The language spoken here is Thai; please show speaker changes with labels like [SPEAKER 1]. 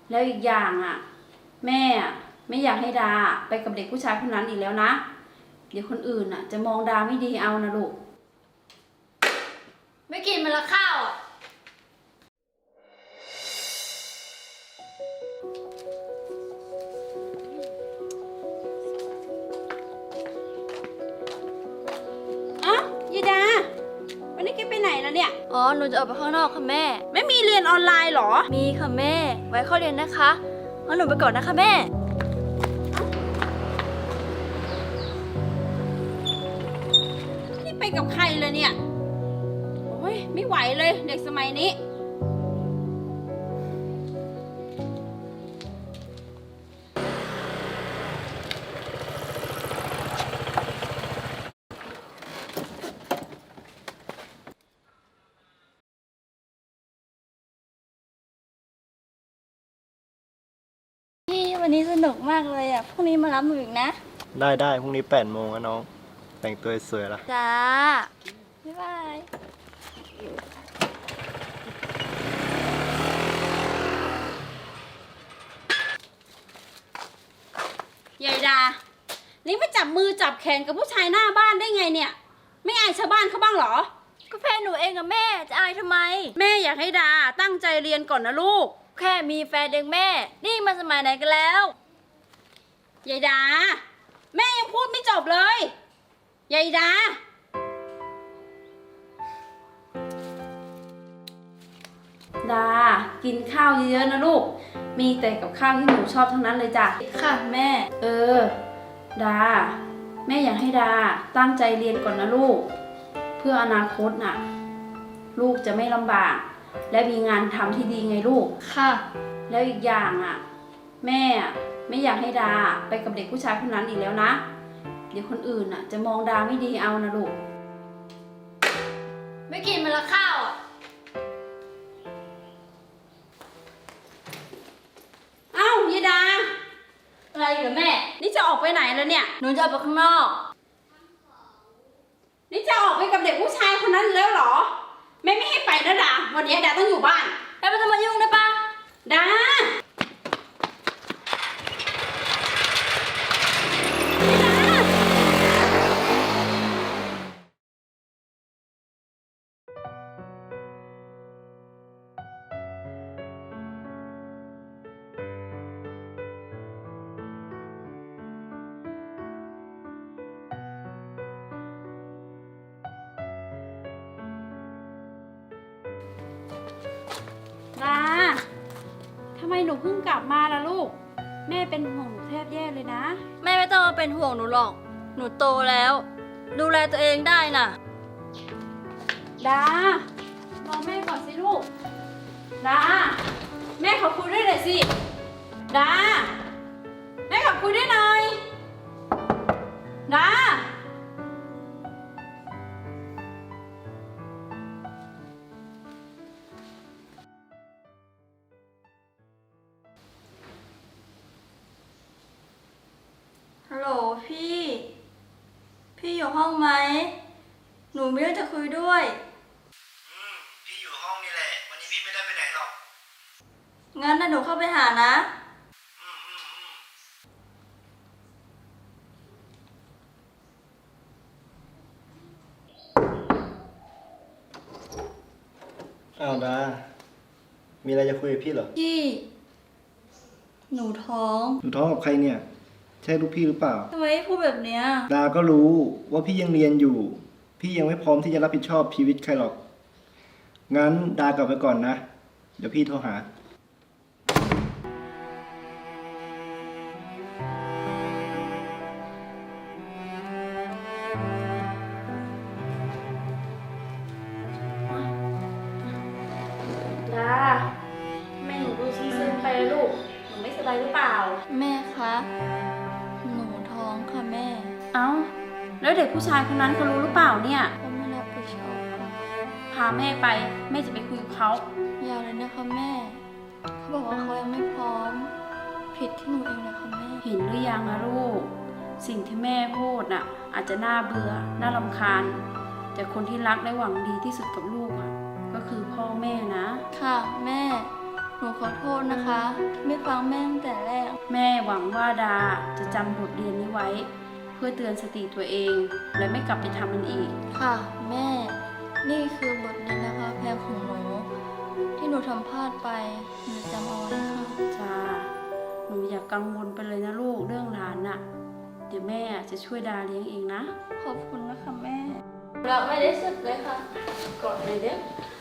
[SPEAKER 1] แล้วอีกอย่างอ่ะแม่ไม่อยากให้ดาไปกับเด็กผู้ชายคนนั้นอีกแล้วนะเดี๋ยวคนอื่นอ่ะจะมองดาไม่ดีเอานะลูก
[SPEAKER 2] ไม่กินมันละข้าวอ่ะ
[SPEAKER 1] อ้าวยีดาวันนี้แกไปไหนแล้วเนี่ย
[SPEAKER 2] อ๋อหนูจะออกไปข้างนอกค่ะแม่
[SPEAKER 1] ไม่มีเรียนออนไลน์หรอ
[SPEAKER 2] มีค่ะแม่ไว้เข้าเรียนนะคะงั้นหนูไปก่อนนะคะแม่
[SPEAKER 1] นี่ไปกับใครเลยเนี่ยโอ้ยไม่ไหวเลยเด็กสมัยนี้
[SPEAKER 2] พี่วันนี้สนุกมากเลยอ่ะพรุ่งนี้มารับหนูอีกนะ
[SPEAKER 3] ได้พรุ่งนี้8 โมงนะน้องแต่งตัวสวยละ
[SPEAKER 2] จ้าบ๊ายบาย
[SPEAKER 1] ยายดานี่มาจับมือจับแขนกับผู้ชายหน้าบ้านได้ไงเนี่ยไม่อายชาวบ้านเขาบ้างเหรอ
[SPEAKER 2] ก็แฟนหนูเองกับแม่จะอายทำไม
[SPEAKER 1] แม่อยากให้ดาตั้งใจเรียนก่อนนะลูก
[SPEAKER 2] แค่มีแฟนเองแม่นี่มันสมัยไหนกันแล้ว
[SPEAKER 1] ยายดาแม่ยังพูดไม่จบเลยยายดาดากินข้าวเยอะๆนะลูกมีแต่กับข้าวที่หนูชอบทั้งนั้นเลยจ้ะ
[SPEAKER 2] ค่ะแม่
[SPEAKER 1] ดาแม่อยากให้ดาตั้งใจเรียนก่อนนะลูกเพื่ออนาคตน่ะลูกจะไม่ลำบากและมีงานทำที่ดีไงลูก
[SPEAKER 2] ค่ะ
[SPEAKER 1] แล้วอีกอย่างอ่ะแม่ไม่อยากให้ดาไปกับเด็กผู้ชายคนนั้นอีกแล้วนะเดี๋ยวคนอื่นอ่ะจะมองดาไม่ดีเอานะลูก
[SPEAKER 2] ไม่กินมันละข้าวอ่ะ
[SPEAKER 1] เอ้ายายดา
[SPEAKER 2] อะไรเหรอแม่
[SPEAKER 1] นี่จะออกไปไหนแล้วเนี่ย
[SPEAKER 2] หนูจะออกไปข้างนอก
[SPEAKER 1] นี่จะออกไปกับเด็กผู้ชายคนนั้นแล้วเหรอแม่ไม่ให้ไปนะดาวันนี้ดาต้องอยู่บ้าน
[SPEAKER 2] แม่ไม่ต้องมายุ่งได้ปะ
[SPEAKER 1] ดาทำไมหนูเพิ่งกลับมาล่ะลูกแม่เป็นห่วงหนูแทบแย่เลยนะ
[SPEAKER 2] แม่ไม่ต้องมาเป็นห่วงหนูหรอกหนูโตแล้วดูแลตัวเองได้น่ะ
[SPEAKER 1] ดารอแม่ก่อนสิลูกดาแม่ขอคุยด้วยหน่อยสิดาแม่ขอคุยด้วยหน่อยดา
[SPEAKER 2] ฮัลโหลพี่อยู่ห้องไหมหนูมีเรื่องจะคุยด้วย
[SPEAKER 3] พี่อยู่ห้องนี่แหละวันนี้พี่ไม่ได้ไปไหนหรอก
[SPEAKER 2] งั้นหนูเข้าไปหานะ
[SPEAKER 3] อ้าวดามีอะไรจะคุยกับพี่เหรอ
[SPEAKER 2] พี่หนูท้อง
[SPEAKER 3] กับใครเนี่ยใช่ลูกพี่หรือเปล่า
[SPEAKER 2] ทำไมพูดแบบเนี้ย
[SPEAKER 3] ดาก็รู้ว่าพี่ยังเรียนอยู่พี่ยังไม่พร้อมที่จะรับผิดชอบชีวิตใครหรอกงั้นดากลับไปก่อนนะเดี๋ยวพี่โทรหา
[SPEAKER 1] ดาแม่หนูดูซึมๆไปเลยลูกหนูไม่สบายหรือเปล่า
[SPEAKER 2] แม่คะหนูท้องค่ะแม่
[SPEAKER 1] เอ้าแล้วเด็กผู้ชายคนนั้นเขารู้หรือเปล่าเนี่ย
[SPEAKER 2] เขาไม่รับผิดชอบค่ะ
[SPEAKER 1] พาแม่ไปแม่จะไปคุยกับเขา
[SPEAKER 2] อย่าเลยนะคะแม่เขาบอกว่าเขายังไม่พร้อมผิดที่หนูเองนะคะแม่
[SPEAKER 1] เห็นหรือยังนะลูกสิ่งที่แม่พูดน่ะอาจจะน่าเบื่อน่ารำคาญแต่คนที่รักและหวังดีที่สุดกับลูกอ่ะก็คือพ่อแม่นะ
[SPEAKER 2] ค่ะแม่หนูขอโทษนะคะ ไม่ฟังแม่ตั้งแต่แรก
[SPEAKER 1] แม่หวังว่าดาจะจำบทเรียนนี้ไว้ เพื่อเตือนสติตัวเอง และไม่กลับไปทำมันอีก
[SPEAKER 2] ค่ะ แม่ นี่คือบทเรียนนะคะแพงของหนู ที่หนูทำพลาดไปหนูจำเอาไว้ค่ะ
[SPEAKER 1] จ้า หนูอย่ากังวลไปเลยนะลูกเรื่องหลานน่ะ เดี๋ยวแม่จะช่วยดาเลี้ยงเองนะ
[SPEAKER 2] ขอบคุณนะคะแม่ เราไม่ได้สุดเลยค่ะ
[SPEAKER 1] กอดเลยเด้อ